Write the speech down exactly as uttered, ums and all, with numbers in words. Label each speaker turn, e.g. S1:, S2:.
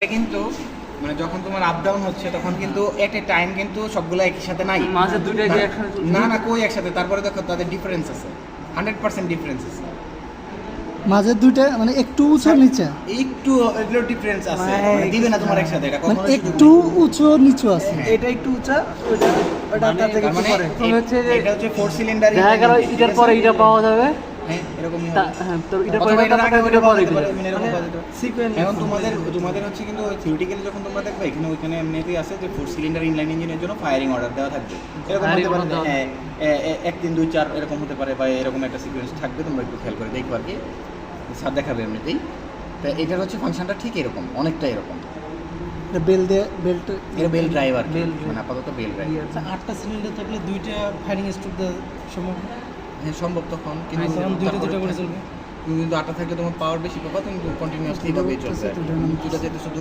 S1: কিন্তু মানে যখন তোমার আপ ডাউন হচ্ছে তখন কিন্তু এট এ টাইম কিন্তু সবগুলো একই সাথে নাই,
S2: মাঝে দুটো কি একসাথে?
S1: না না কই একসাথে। তারপরে দেখো তাদের ডিফারেন্স আছে, হান্ড্রেড পার্সেন্ট ডিফারেন্স আছে।
S3: মাঝে দুইটা মানে একটু উঁচু নিচে,
S1: একটু এগুলো ডিফারেন্স আছে,
S3: মানে
S1: মানে দিবে না তোমার একসাথে, এটা
S3: মানে
S1: কখনো
S3: একটু উঁচু নিচু আছে।
S1: হ্যাঁ।
S4: এটা একটু উঁচা, ওটা ওটা
S1: মানে
S4: তার থেকে
S1: তার
S4: একটু
S1: মানে
S4: পরে।
S2: প্রথমে হচ্ছে যে-
S1: এটা হচ্ছে ফোর সিলিন্ডার,
S2: দেখা গেল এটার পরে এটা পাওয়া যাবে,
S1: হ্যাঁ এরকমই হবে।
S2: তা- হ্যাঁ, তো এটার পরে
S1: অথবা
S2: এটা
S1: এটার আগে
S2: পাওয়া
S1: ওইটা
S2: যাবে,
S1: পাওয়া
S2: পরে
S1: যেতে পারে,
S2: এটা।
S1: মানে এরকম
S4: মানে
S1: পাওয়া যেতে পারে।
S4: সিকোয়েন্স
S1: এখন তোমাদের তোমাদের হচ্ছে কিন্তু থিওরিটিক্যালি যখন তোমরা দেখবে এখানে ওইখানে এমনিতেই আছে যে ফোর সিলিন্ডার ইনলাইন ইঞ্জিনের জন্য ফায়ারিং অর্ডার দেওয়া থাকবে, এরকম
S2: Firing
S1: হতে পারে
S2: order দেওয়া
S1: হ্যাঁ, এ- এ- এক তিন দুই চার এরকম হতে পারে, বা এরকম একটা সিকোয়েন্স থাকবে, তোমরা একটু খেয়াল করে দেখো আর কি, স্যার দেখাবে এমনিতেই। তো এটার হচ্ছে ফাংশনটা ঠিক এরকম, অনেকটা এরকম।
S3: বেল দিয়ে বেল্ট
S1: এটা বেল ড্রাইভার,
S2: Bell
S1: মানে আপাতত বেল ড্রাইভ।
S4: আচ্ছা, আটটা সিলিন্ডার থাকলে দুইটা ফায়ারিং স্ট্রোক দেওয়া সম্ভব।
S1: হ্যাঁ সম্ভব তখন, কিন্তু
S4: তখন দুইটা
S1: তারপরে
S4: দুইটা করে চলবে।
S1: তুমি কিন্তু আটটা থাকলে তোমার পাওয়ার বেশি পাবা, তুমি কন্টিনিউয়াসলি ভাবে চলবে।
S3: দুটো নামতেছে,
S1: দুটো যেতে শুধু